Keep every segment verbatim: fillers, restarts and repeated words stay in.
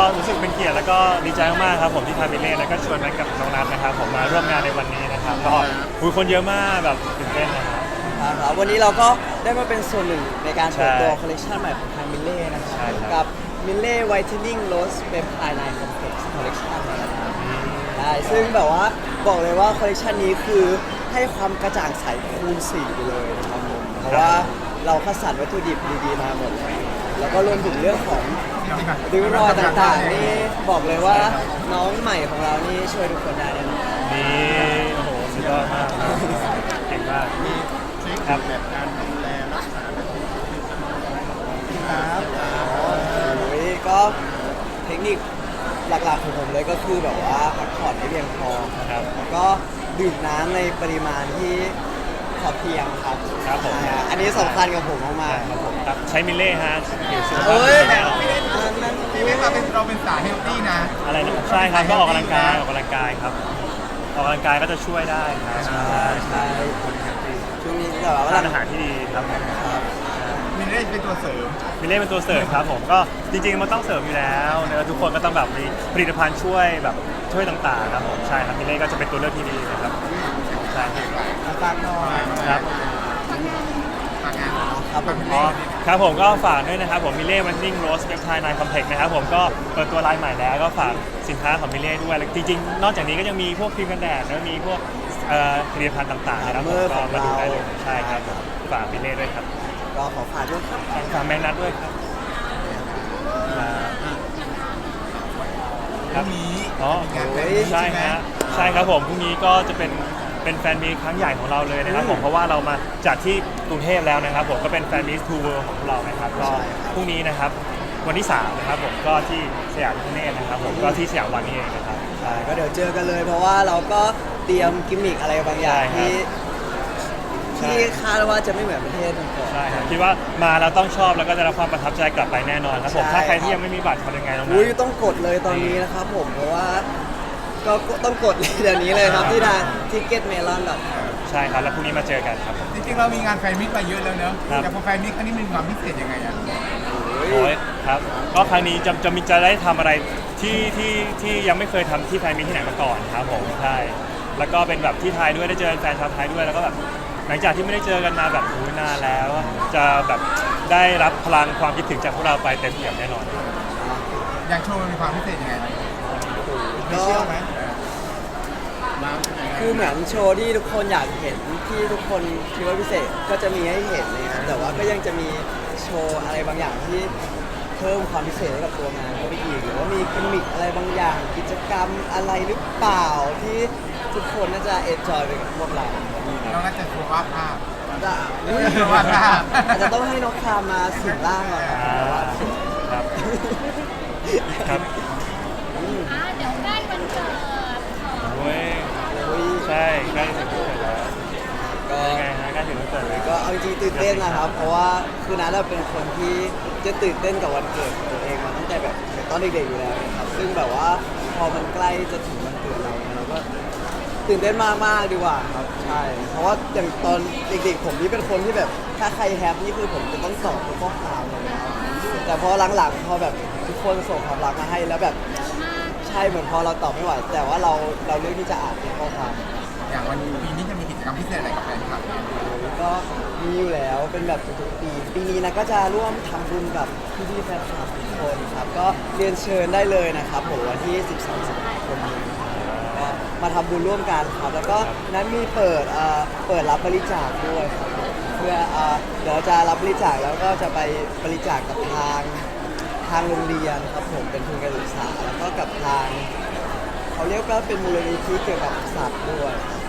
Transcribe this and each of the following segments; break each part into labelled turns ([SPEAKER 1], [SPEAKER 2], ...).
[SPEAKER 1] รู้สึกเป็นเกียรติแล้วก็ดีใจมากๆครับผมที่ทางมิเล่แล้วก็ชวนแม็กกับน้องนัทนะครับผมมาร่วมงานในวันนี้นะครับก็คุยคนเยอะมากแบบตื่นเต้นนะครับ
[SPEAKER 2] ครับวันนี้เราก็ได้มาเป็นส่วนหนึ่งในการเปิดตัว
[SPEAKER 1] ใช่
[SPEAKER 2] คอลเลคชันใหม่ของทางมิเล่นะครั
[SPEAKER 1] ใช่
[SPEAKER 2] บ
[SPEAKER 1] ครับ
[SPEAKER 2] กับมิเล่ไวท์เทนนิ่งโรสเปปไทด์ไนน์คอมเพล็กซ์คอลเลคชันนะครับใช่ซึ่งแบบว่าบอกเลยว่าคอลเลคชันนี้คือให้ความกระจ่างใสคูณสี่ไปเลยนะครับผมเพราะว่าเราคัดสรรวัตถุดิบดีๆมาหมดเลยแล้วก็รวมถึงเรื่องของริ้วรอยต่างๆนี่บอกเลยว่าน้องใหม่ของเรานี่ช่วยทุกคนได้แน่นอน
[SPEAKER 1] นี่โอ้โหสุดยอดมากครับเก่งมาก
[SPEAKER 3] มีเทคนิคแบบการดูแลรักษาแบบ
[SPEAKER 2] ครับโอ้ยก็เทคนิคหลักๆของผมเลยก็คือแบบว่าพักผ่อนให้เพียงพอ
[SPEAKER 1] ครับ
[SPEAKER 2] แล้วก็ดื่มน้ำในปริมาณที่พอเพียงครับ
[SPEAKER 1] ครับผม
[SPEAKER 2] อ่าอันนี้สำคัญกับผมมาก
[SPEAKER 1] ใช่ครับผมครับใช้มิเล่ฮะผิวสุข
[SPEAKER 2] ๆ
[SPEAKER 1] ภาพ
[SPEAKER 2] เฮ้ย
[SPEAKER 1] ดีแน่นอน
[SPEAKER 2] อันนั้น
[SPEAKER 3] พี่เล็กเราเป็นเราเป็นสายเฮลตี้นะ
[SPEAKER 1] อะไรนะใช่ครับก็ออกกำลังกายออกกำลังกายครับออกกำลังกายก็จะช่วยได้ครับ
[SPEAKER 2] ใช่ใช่ช่วงนี้แบบว่า
[SPEAKER 1] ทานอาหารที่ดีครับผม
[SPEAKER 3] มีเล่เป็นตัวเสริม
[SPEAKER 1] มิเล่เป็นตัวเสริมครับผมก็จริงๆมันต้องเสริมอยู่แล้วนะทุกคนก็ต้องแบบมีผลิตภัณฑ์ช่วยแบบช่วยต่างๆครับผมใช่ครับมิเล่ก็จะเป็นตัวเลือกที่ดีนะครับใช่ครับ
[SPEAKER 2] ฝากหน่อย
[SPEAKER 1] ครับ
[SPEAKER 3] ฝากงาน
[SPEAKER 2] ครับผม
[SPEAKER 1] อ๋อครับผมก็ฝากด้วยนะครับผมมิเล่วันนิ่งโรสเปปไทด์ไนน์คอมเพล็กซ์นะครับผมก็เปิดตัวไลน์ใหม่แล้วก็ฝากสินค้าของมิเล่ด้วยแล้วจริงๆนอกจากนี้ก็ยังมีพวกครีมกันแดดแล้วมีพวกเอ่อผลิตภัณฑ์ต่างๆนะครับผมก็มาดูได้เลยใช่ครับผมฝากมิเล่ด้วยครับ
[SPEAKER 2] ก็ขอฝากด้วยครับ
[SPEAKER 1] ฝากแมงนัทด้วยครับครับ
[SPEAKER 3] พรุ่งนี้
[SPEAKER 1] อ๋อ
[SPEAKER 3] มีงานแฟน
[SPEAKER 2] โอ้
[SPEAKER 3] มี
[SPEAKER 2] ย
[SPEAKER 3] ต
[SPEAKER 1] ใช่
[SPEAKER 3] ใช่ไหม
[SPEAKER 1] ฮะใช่ครับผมพรุ่งนี้ก็จะเป็นเป็นแฟนมีตครั้งใหญ่ของเราเลยนะครับผมเพราะว่าเรามาจากที่กรุงเทพแล้วนะครับผมก็เป็นแฟนมีตทูเวิร์ของเรานะครับก็พรุ่งนี้นะครับวันที่สามนะครับผมก็ที่สยามพิคเนตนะครับผมก็ที่สยามวันนี้เองนะครับใช่
[SPEAKER 2] ก็เดี๋ยวเจอกันเลยเพราะว่าเราก็เตรียมกิมมิคอะไรบางอย่าง
[SPEAKER 1] ใช่ครับ
[SPEAKER 2] ที่
[SPEAKER 1] ใช่
[SPEAKER 2] ที่คาดว่าจะไม่เหมือนประเทศก่อน
[SPEAKER 1] ใช่ครับคิดว่ามาแล้วต้องชอบแล้วก็จะรับความประทับใจกลับไปแน่นอนครับผม
[SPEAKER 2] ใช่
[SPEAKER 1] ถ้าใครที่ยังไม่มีบัตรทำยังไงน้อง
[SPEAKER 2] อุ้ย
[SPEAKER 1] นัท
[SPEAKER 2] ต้องกดเลยตอนนี้นะครับผมเพราะว่าก็ต้องกดเลยเดี๋ยวนี้เลยครับที่ทางทิกเก็ตเมลอนแบบ
[SPEAKER 1] ใช่ครับแล้วพรุ่งนี้มาเจอกันครับผม
[SPEAKER 3] จริงๆเรามีงานแฟนมิตมาเยอะแล้วเนอะ
[SPEAKER 1] ครับ
[SPEAKER 3] แต่พอแฟนมิตครั้งนี้มันมีความพิเศษยังไงอ่ะ
[SPEAKER 1] โอ้ยครับก็ครั้งนี้จะจะมีจะได้ทำอะไรที่ที่ที่ยังไม่เคยทำที่ไทยมีที่ไหนมาก่อนครับผมใช่แล้วก็เป็นแบบที่ไทยด้วยได้เจอแฟนชาวไทยด้วยแล้วก็แบบหลังจากที่ไม่ได้เจอกันมาแบบโอ้ยนานแล้ว จะแบบได้รับพลังความคิดถึงจากพวกเราไปเต็มเปี่ยมแน่นอน
[SPEAKER 3] อย่างโชว์มันมีความพิเศษยังไง
[SPEAKER 2] ก็
[SPEAKER 3] เชื่อไหมมา
[SPEAKER 2] คือเหมือนโชว์ที่ทุกคนอยากเห็นที่ทุกคนคิดว่าพิเศษก็จะมีให้เห็นนะครับแต่ว่าก็ยังจะมีโชว์อะไรบางอย่างที่เพิ่มความพิเศษให้กับตัวงานเข้าไปอีกหรือว่ามีกิมมิคอะไรบางอย่าง กิจกรรมอะไรหรือเปล่าที่ทุกคนน่าจะเอนจอยไปกับพวกเรา
[SPEAKER 3] เราน่าจะโชว์วาดภาพ
[SPEAKER 2] จะ
[SPEAKER 3] อุ๊ยว่าได้
[SPEAKER 2] อาจจะต้องให้น้องคามมาสิงร่างก่อนครับ
[SPEAKER 1] อ่าครับครับ
[SPEAKER 4] อ่าเดี๋ยวใกล้วันเกิดของ
[SPEAKER 1] โอ้ย
[SPEAKER 2] โอ้ย
[SPEAKER 1] ใช่ใกล้ถึงวันเกิดแล้ว
[SPEAKER 2] ก็
[SPEAKER 1] ยังไงฮะใกล้ถึงวันเกิดเลย
[SPEAKER 2] ก็เอาจริงๆตื่นเต้นนะครับ เพราะว่าคือนัทเป็นคนที่จะตื่นเต้นกับวันเกิดของตัวเองมาตั้งแต่แบบตอนเด็กๆอยู่แล้วนะครับซึ่งแบบว่าพอมันใกล้จะถึงวันเกิดเราเนี่ยเราก็ตื่นเต้นมากๆดีกว่าครับใช่เพราะว่าอย่างตอนเด็กๆผมนี่เป็นคนที่แบบถ้าใครแฮปนี่คือผมจะต้องตอบทุกข้อความเลยนะครับแต่พอหลังๆพอแบบทุกคนส่งความรักมาให้แล้วแบบใช่เหมือนพอเราตอบไม่ไหวแต่ว่าเราเราเลือกที่จะอ่านเป็นข้อความ
[SPEAKER 3] อย่างวันปีนี้จะมีกิจกรรมพิเศษอะไรกับแฟนคลับเนี่ย
[SPEAKER 2] ก็มีอยู่แล้วเป็นแบบทุกๆปีปีนี้นะก็จะร่วมทำบุญกับพี่ๆแฟนคลับทุกคนครับก็เรียนเชิญได้เลยนะครับผมวันที่ สิบสอง สิงหาคมนี้ก็มาทำบุญร่วมกันครับแล้วก็นั้นมีเปิดเอ่อเปิดรับบริจาคด้วยครับเพื่อเอ่อเดี๋ยวจะรับบริจาคแล้วก็จะไปบริจาคกับทางทางโรงเรียนครับผมเป็นทุนการศึกษาแล้วก็กับทางเขาเรียกว่าเป็นมูลนิธิเกี่ยวกับสัตว์ด้วย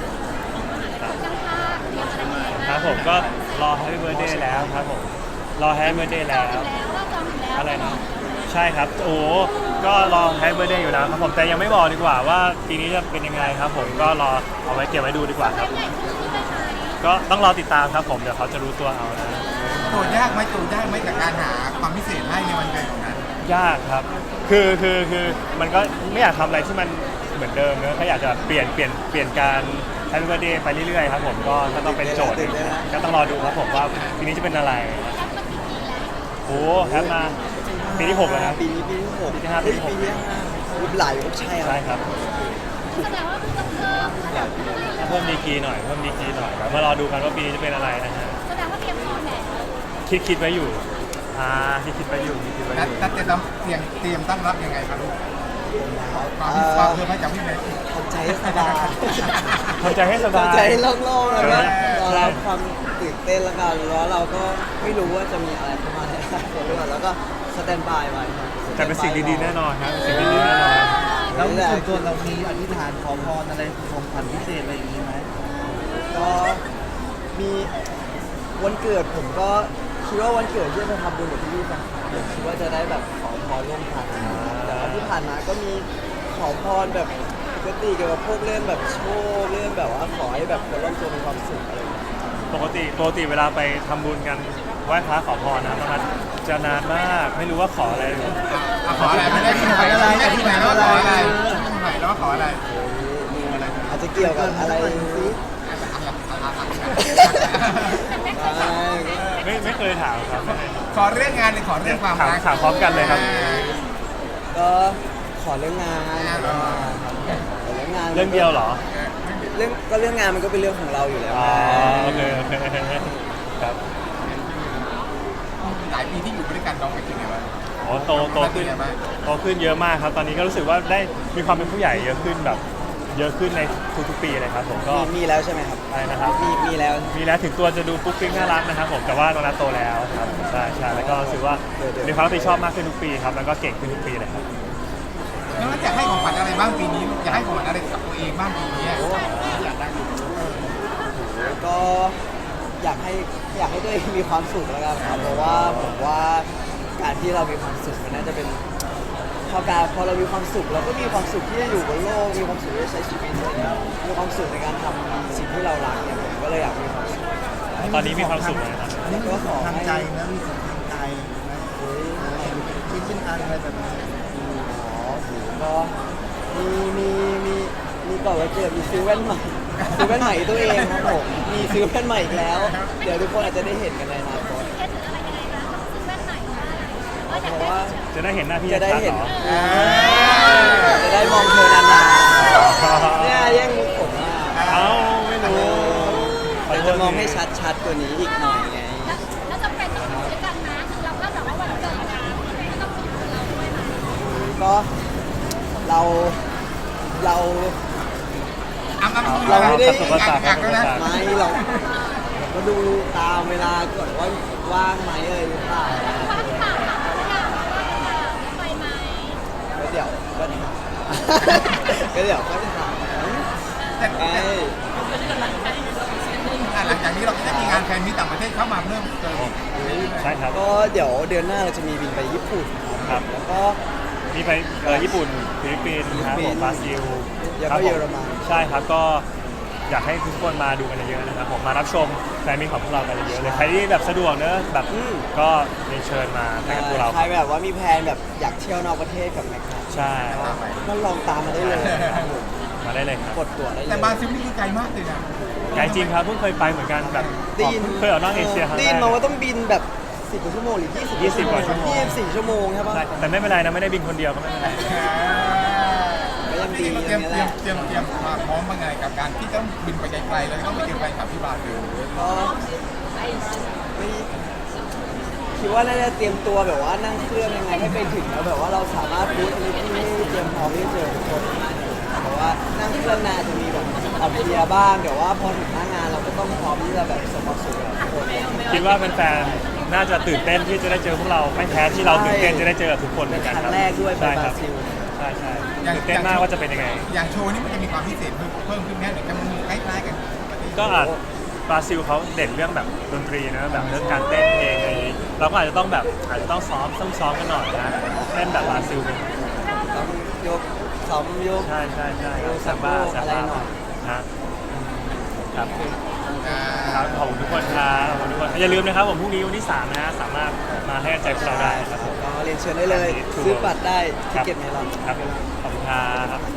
[SPEAKER 1] ครับผมก็รอ Happy Birthday แล้วครับผมรอ Happy Birthday แล้ว
[SPEAKER 4] แล้วว่าจองอยู่แล้ว
[SPEAKER 1] อะไรนะใช่ครับโอ้ก็รอ Happy Birthday อยู่แล้วครับผมแต่ยังไม่บอกดีกว่าว่าปีนี้จะเป็นยังไงครับผมก็รอเอาไว้เก็บไว้ดูดีกว่าครับ
[SPEAKER 4] ใหญ่ขึ้นใช่ไหม
[SPEAKER 1] ก็ต้องรอติดตามครับผมเดี๋ยวเขาจะรู้ตัวเอานะ
[SPEAKER 3] โจทย์ยากไหมโจทย์ยากไหมกับการหาความพิเศษให้ในวันเกิดของนั้น
[SPEAKER 1] ยากครับคือคือคือมันก็ไม่อยากทำอะไรที่มันเหมือนเดิมเนอะก็อยากจะเปลี่ยนเปลี่ยนเปลี่ยนการ Happy Birthday ไปเรื่อยๆครับผมก็ก็ต้องเป็นโจทย์หนึ่งนะก็ต้องรอดูครับผมว่าปีนี้จะเป็นอะไร
[SPEAKER 4] แคปมากี่ปีแล้ว
[SPEAKER 1] โอ้แฮปมาปีที่หกแล้วนะ
[SPEAKER 2] ปีนี้ปีที่หก
[SPEAKER 1] ปีที่ห้า
[SPEAKER 2] เฮ้ย
[SPEAKER 1] ปี
[SPEAKER 2] ปี
[SPEAKER 1] ที่
[SPEAKER 2] ที่
[SPEAKER 1] หก
[SPEAKER 2] ห้ารุ่นหลายรุ่นใช่ครับ
[SPEAKER 1] ใช่ครับ
[SPEAKER 4] แสดงว่าคุณต้องเพิ่มระดับ
[SPEAKER 1] เพิ่มดีกรีหน่อยเพิ่มดีกรีหน่อยแล้วมารอดูกันว่าปีนี้จะเป็นอะไรนะฮะ
[SPEAKER 4] แสดงว่าเตรียมพร้อมแล้ว
[SPEAKER 1] คิดคิดไว้อยู่อ่าคิดคิดไว้อยู่คิดคิดไว้อ
[SPEAKER 3] นัด
[SPEAKER 1] ยู่
[SPEAKER 3] นัดเตรียมเตรียมเตรียมตั้งรับยังไงครับลูกความ
[SPEAKER 2] เอ่อ
[SPEAKER 3] ความเพิ่มให้จากพี่เมย์
[SPEAKER 2] ทำใจให้สบาย
[SPEAKER 1] ทำใจให้สบาย
[SPEAKER 2] ทำใจให้โล่งๆแล้วก็
[SPEAKER 1] ใช่
[SPEAKER 2] รอรับความตื่นเต้นแล้วกันแล้วเราก็ไม่รู้ว่าจะมีอะไรเข้ามาในอนาคตหรือเปล่าแล้วก็สแตนบายไว้ครับ
[SPEAKER 1] แต่เป็นสิ่งดีๆแน่นอนครับเป็นสิ่งดีๆแน่นอน
[SPEAKER 5] แล้วส่วนตัวเรามีอธิษฐานขอพรอะไรของขวัญพิเศษอะไรอย่างนี้ไหม
[SPEAKER 2] ก็มีวันเกิดผมก็คิดว่าวันเกิดที่จะทำบุญกับพี่ๆแฟนคลับผมคิดว่าจะได้แบบขอพรร่วมกันแต่ว่าที่ผ่านมาก็มีขอพรแบบปกติเกี่ยวกับพวกเรื่องแบบโชคเรื่องแบบว่าขอให้แบบคนรอบตัวมีความสุขอะไรอย่างเงี้ย
[SPEAKER 1] ปกติปกติเวลาไปทำบุญกันไหว้พระขอพรนะมันจะนานมากไม่รู้ว่าขออะไร
[SPEAKER 3] อ่ะขออะไรไม่ได้พี่เมย์ไม่ได้พี่เมย์แล้วขออะไรพี่เมย์แล้วขออะไร
[SPEAKER 2] อาจจะเกี่ยวกับอะไรสิใช่
[SPEAKER 1] ไม่ไม่เคยถามครับไม่เคยถาม
[SPEAKER 3] ขอเรื่องงานหรือขอเรื่องความ
[SPEAKER 1] ถาม
[SPEAKER 3] รัก
[SPEAKER 1] ถามพร้อมกันเลยครับ
[SPEAKER 2] ก็ขอเรื่องงานขอเรื่องงาน
[SPEAKER 1] เรื่องเดียวเหรอ
[SPEAKER 2] เรื่องก็เรื่องงานมันก็เป็นเรื่องของเราอยู่แล้ว
[SPEAKER 1] อ๋อโอเคโอเคครับ
[SPEAKER 3] หลายปีที่อยู่ด้วยกันน้องเป็นยังไงบ้าง
[SPEAKER 1] โอ้โตโตขึ้น
[SPEAKER 3] เป็นยังไงบ้าง
[SPEAKER 1] โตขึ้นเยอะมากครับ ตอนนี้ก็รู้สึกว่าได้มีความเป็นผู้ใหญ่เยอะขึ้นแบบ เยอะขึ้นในทุกๆปีเลยครับผมก็
[SPEAKER 2] มีมีแล้วใช่ไหมครับ
[SPEAKER 1] อะไรนะครับ
[SPEAKER 2] มีมีแล้ว
[SPEAKER 1] มีแล้วถึงตัวจะดูปุ๊กปิ๊กน่ารักนะครับผมแต่ว่าน้องนัทโตแล้วครับใช่ใช่แล้วก็รู้สึกว่ามีความรับผิดชอบมากขึ้นทุกปีครับแล้วก็เก่งขึ้นทุกปีเลยครับ
[SPEAKER 3] น้องนัทอยากให้ของขวัญอะไรบ้างปีนี้อยากให้ของขวัญอะไรกับตัวเองบ้างปีนี้อยากได้
[SPEAKER 2] ก็อยากให้อยากให้ตัวเองมีความสุขแล้วกันครับเพราะว่าผมว่าการที่เรามีความสุขมันน่าจะเป็นพอการพอเรามีความสุขเราก็มีความสุขที่จะอยู่บนโลกมีความสุขที่จะใช้ชีวิตอะไรเงี้ยมีความสุขในการทำสิ่งที่เรารักเนี่ยผมก็เลยอยากมีความสุข
[SPEAKER 1] ตอนนี้มีความสุขเลยครับ
[SPEAKER 5] นี่มีของทางใจนะมีของทางใจนะ
[SPEAKER 2] เฮ้ย
[SPEAKER 5] ชิ้นชิ้นอันอะไรแบบนี้
[SPEAKER 2] อ๋อโหก็มีมีมีมีก่อนวันเกิดมีซื้อแว่นใหม่ซื้อแว่นใหม่ตัวเองครับผมมีซื้อแว่นใหม่อีกแล้ว เดี๋ยวทุกคนอาจจะได้เห็นกันในอนาคต
[SPEAKER 4] เคสหรืออะไรยังไงคะซื้อแว่นใหม่ว่าอยาก
[SPEAKER 2] เพราะ
[SPEAKER 4] ได้
[SPEAKER 2] ว่า
[SPEAKER 1] จะได้เห็นหน้าพี่
[SPEAKER 2] จะได้
[SPEAKER 1] ชัดๆ
[SPEAKER 2] เห็น
[SPEAKER 1] เหรอ
[SPEAKER 2] จะได้มองเธอนานๆเนี่ยแย่งมุกผมอ่ะ
[SPEAKER 1] เอ้าไม่รู้
[SPEAKER 2] เดี๋ยวจะมองให้ชัดๆกว่านี้อีกหน่อยไง
[SPEAKER 4] แล้วแล้วจำเป็นต้องอยู่ด้วยกันนะคือเราก็แบบว่าวันเกิดนะก็ต้องอยู่กับเราด้วยนะ
[SPEAKER 2] ก็เราเรา
[SPEAKER 3] อ้ำอ้ำ
[SPEAKER 2] เราไม่ได้
[SPEAKER 3] อยากอยากแล้วนะ
[SPEAKER 2] ไม่เราเราก็ดูตามเวลาก่อนว่าว่างไหมอะไรหรือเปล่า
[SPEAKER 4] ว่างเปล่าถามเขาหรือยังว่าไปไหม
[SPEAKER 2] แล้วเดี๋ยวก็ถามก็เดี๋ยวก็ถาม
[SPEAKER 3] แต่
[SPEAKER 2] ไอ้
[SPEAKER 3] อ่ะหลังจากนี้เราก็จะมีงานแฟนมิตรต่างประเทศเข้ามาเพิ่มเติมอีก
[SPEAKER 1] ใช่ครับ
[SPEAKER 2] ก็เดี๋ยวเดือนหน้าเราจะมีบินไปญี่ปุ่น
[SPEAKER 1] ครับ
[SPEAKER 2] แล้วก็
[SPEAKER 1] มีไปเอ่อญี่ปุ่นฟิลิปปินส์ครับผมบราซิล
[SPEAKER 2] แล้ว
[SPEAKER 1] ครั
[SPEAKER 2] ก็
[SPEAKER 1] บผ
[SPEAKER 2] เยอรมัน
[SPEAKER 1] ใช่ครับก็อยากให้ทุกคนมาดูกันเยอะๆนะครับผมมารับชมแฟนมิตรของพวกเรากันเยอะๆเลยใครที่แบบสะดวกเนอะแบบก็เรียนเชิญมาไปกับพวกเรา
[SPEAKER 2] ใครแบบว่ามีแพลนแบบอยากเที่ยวนอกประเทศกับแม็กซ์
[SPEAKER 1] ใช่
[SPEAKER 2] ก็ลองตามมาได้เลยครับผม
[SPEAKER 1] มาได้เลยครับ
[SPEAKER 2] กดตั๋วได้เลย
[SPEAKER 3] แต่บราซิลนี่คือไกลมากเลยนะ
[SPEAKER 1] ไกลจริงครับเพิ่งเคยไปเหมือนกันแบบ
[SPEAKER 2] ได้ยิน
[SPEAKER 1] เคยออกนอกเอเชียครั้ง
[SPEAKER 2] ได้
[SPEAKER 1] แร
[SPEAKER 2] ยิน
[SPEAKER 1] ก
[SPEAKER 2] มาว่าต้องบินแบบสิบกว่าชั่วโมงหรือยี่สิบ
[SPEAKER 1] ยี่สิบกว่าชั่วโมง
[SPEAKER 2] ยี่สิบสี่ชั่วโมงใช่ปะ
[SPEAKER 1] ใช่แต่ไม่เป็นไรนะไม่ได้บินคนเดียวก็ไม่เป็นไร
[SPEAKER 2] ก็ยังดี
[SPEAKER 3] เต
[SPEAKER 2] อ
[SPEAKER 3] รียม
[SPEAKER 2] ย่างนี้
[SPEAKER 3] เตรี
[SPEAKER 2] แห
[SPEAKER 3] ยม
[SPEAKER 2] ละ
[SPEAKER 3] เตรียมเตรียมความพร้อมบ้างไงกับการที่ต้องบินไปไกลๆแล้วต้องไปเจอแฟนคลับที่บราซิล
[SPEAKER 2] ก็ไม่คิดว่าน่าจะเตรียมตัวแบบว่านั่งเครื่องยังไงให้ไปถึงแล้วแบบว่าเราสามารถบูธในที่ให้เตรียมพร้อมที่จะเจอทุกคนแต่ว่านั่งเครื่องนานจะมีแบบออกเพลียบ้างเดี๋ยวว่าพอถึงหน้างานเราก็ต้องพร้อมที่จะแบบสมบูรณ์สุดทุกคน
[SPEAKER 1] คิดว่าแฟนๆน่าจะตื่นเต้นที่จะได้เจอพวกเราไม่แพ้ที่เราตื่นเต้นจะได้เจอกับทุกคนเหมือนกัน
[SPEAKER 2] ครั้
[SPEAKER 1] ครับ
[SPEAKER 2] งแรกด้วยไป
[SPEAKER 1] ใช่
[SPEAKER 2] บ
[SPEAKER 1] ค
[SPEAKER 2] รา
[SPEAKER 1] รับ
[SPEAKER 2] ซิล
[SPEAKER 1] ใช่ใช่ตื่นเต้นมากว่าจะเป็นยังไง
[SPEAKER 3] อย่างโชว์นี่มันจะมีความพิเศษเพิ่มเพิ่มขึ้นแค่หรือจะมันใกล้ๆกัน
[SPEAKER 1] ก็อาจบราซิลเขาเด่นเรื่องแบบดนตรีนะแบบเรื่องการเต้นเพลงอะไรอย่างนี้เราก็อาจจะต้องแบบอาจจะต้องซ้อมต้องซ้อมกันหน่อยนะเต้นแบบบราซิลเป็น
[SPEAKER 2] ต้องยกซ้อมยก
[SPEAKER 1] ใช่ใช่ใช่
[SPEAKER 2] ดู
[SPEAKER 1] ซัมบ้า
[SPEAKER 2] สะโพก
[SPEAKER 1] ซัมบ้า
[SPEAKER 2] อะไรหน่อย
[SPEAKER 1] นะครั
[SPEAKER 3] อ่
[SPEAKER 1] บครั
[SPEAKER 3] า
[SPEAKER 1] บขอบคุณทุกคนครับขอบคุณทุกคนอย่าลืมนะครับผมพรุ่งนี้วันที่สามนะฮะสามารถมาให้กำลังใจพวกเราได้นะครับผม
[SPEAKER 2] ก็เรียนเชิญได้เลย ซื้อบัตรได้ที่เก็ตเมลอน
[SPEAKER 1] ครับผมขอบคุณครับ